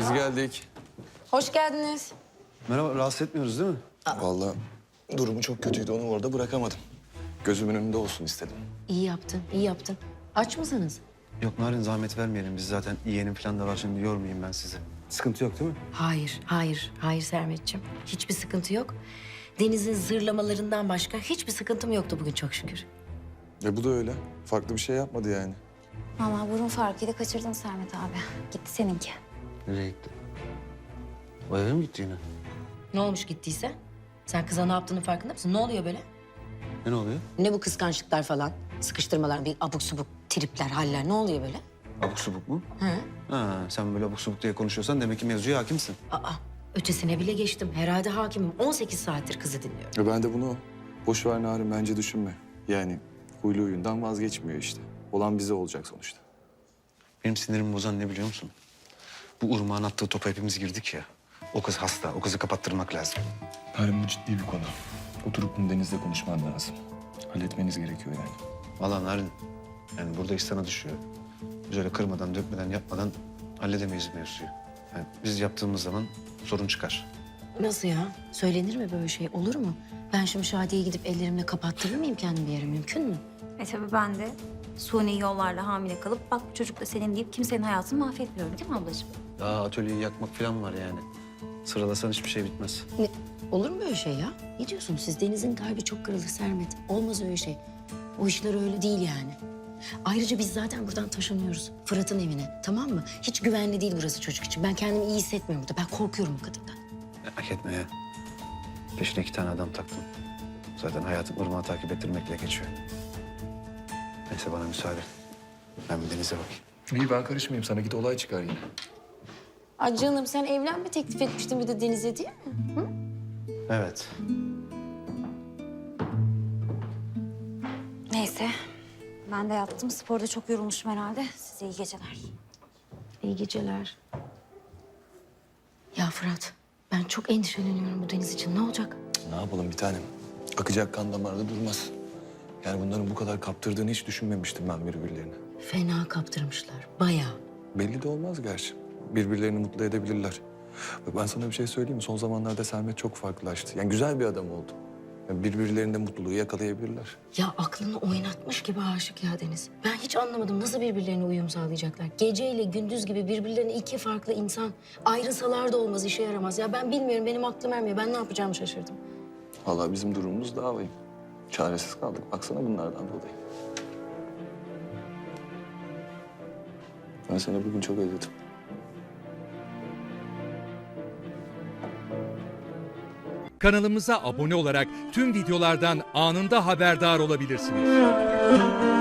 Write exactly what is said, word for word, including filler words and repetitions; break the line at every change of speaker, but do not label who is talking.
Biz geldik.
Hoş geldiniz.
Merhaba, rahatsız etmiyoruz değil mi?
Vallahi durumu çok kötüydü. Onu orada bırakamadım. Gözümün önünde olsun istedim.
İyi yaptın, iyi yaptın. Aç mısınız?
Yok Narin, zahmet vermeyelim. Biz zaten yeğenim falan da var, şimdi yormayayım ben sizi. Sıkıntı yok değil mi?
Hayır, hayır, hayır Sermetciğim. Hiçbir sıkıntı yok. Deniz'in zırlamalarından başka hiçbir sıkıntım yoktu bugün çok şükür.
E bu da öyle. Farklı bir şey yapmadı yani.
Vallahi burun farkıyla kaçırdın Sermet abi. Gitti seninki.
Nereye gitti? O eve mi gitti yine?
Ne olmuş gittiyse? Sen kıza ne yaptığının farkında mısın? Ne oluyor böyle?
Ne oluyor?
Ne bu kıskançlıklar falan? Sıkıştırmalar, bir abuk subuk tripler, haller. Ne oluyor böyle?
Abuk subuk mu?
Hı?
Ha, sen böyle abuk subuk diye konuşuyorsan demek ki mevzuya hakimsin.
Aa, ötesine bile geçtim. Herhalde hakimim. on sekiz saattir kızı dinliyorum.
E ben de bunu boş ver Narin, bence düşünme. Yani huylu huyundan vazgeçmiyor işte. Olan bize olacak sonuçta.
Benim sinirimi bozan ne biliyor musun? Bu Urmağ'ın attığı topa hepimiz girdik ya. O kız hasta, o kızı kapattırmak lazım.
Narin, bu ciddi bir konu. Oturup bunu Deniz'le konuşman lazım. Halletmeniz gerekiyor yani.
Vallahi Narin, yani burada iş sana düşüyor. Biz öyle kırmadan, dökmeden, yapmadan halledemeyiz mevzuyu. Yani biz yaptığımız zaman sorun çıkar.
Nasıl ya? Söylenir mi böyle şey? Olur mu? Ben şimdi Şadiye'ye gidip ellerimle kapattırır mıyım kendimi bir yere? Mümkün mü?
E tabii ben de suni yollarla hamile kalıp bak bu çocuk da senin deyip kimsenin hayatını mahvetmiyorum değil mi ablacığım?
Daha atölyeyi yakmak falan var yani. Sıralasan hiçbir şey bitmez.
Ne? Olur mu öyle şey ya? Ne diyorsunuz siz? Deniz'in kalbi çok kırılır Sermet. Olmaz öyle şey. O işler öyle değil yani. Ayrıca biz zaten buradan taşınıyoruz. Fırat'ın evine. Tamam mı? Hiç güvenli değil burası çocuk için. Ben kendimi iyi hissetmiyorum burada. Ben korkuyorum bu kadından.
Merak etme ya. Peşine iki tane adam taktım. Zaten hayatım Irmak'ı takip ettirmekle geçiyor. Neyse bana müsaade. Ben bir denize bakayım.
İyi, ben karışmayayım sana. Git, olay çıkar yine.
Ay canım sen evlenme teklif etmiştin bir de Deniz'e değil mi? Hı?
Evet.
Neyse. Ben de yattım. Sporda çok yorulmuşum herhalde. Size iyi geceler.
İyi geceler. Ya Fırat, ben çok endişeleniyorum bu Deniz için. Ne olacak?
Ne yapalım bir tanem? Akacak kan damarda durmaz. Yani bunların bu kadar kaptırdığını hiç düşünmemiştim ben birbirlerine.
Fena kaptırmışlar, bayağı.
Belli de olmaz gerçi. Birbirlerini mutlu edebilirler. Bak ben sana bir şey söyleyeyim mi? Son zamanlarda Sermet çok farklılaştı. Yani güzel bir adam oldu. Yani birbirlerinde mutluluğu yakalayabilirler.
Ya aklını oynatmış gibi aşık ya Deniz. Ben hiç anlamadım nasıl birbirlerine uyum sağlayacaklar. Geceyle gündüz gibi birbirlerine iki farklı insan. Ayrılsalar da olmaz, işe yaramaz. Ya ben bilmiyorum, benim aklım ermiyor. Ben ne yapacağımı şaşırdım.
Vallahi bizim durumumuz daha vahim. Çaresiz kaldık. Baksana bunlardan dolayı. Ben seni bugün çok özledim.
Kanalımıza abone olarak tüm videolardan anında haberdar olabilirsiniz.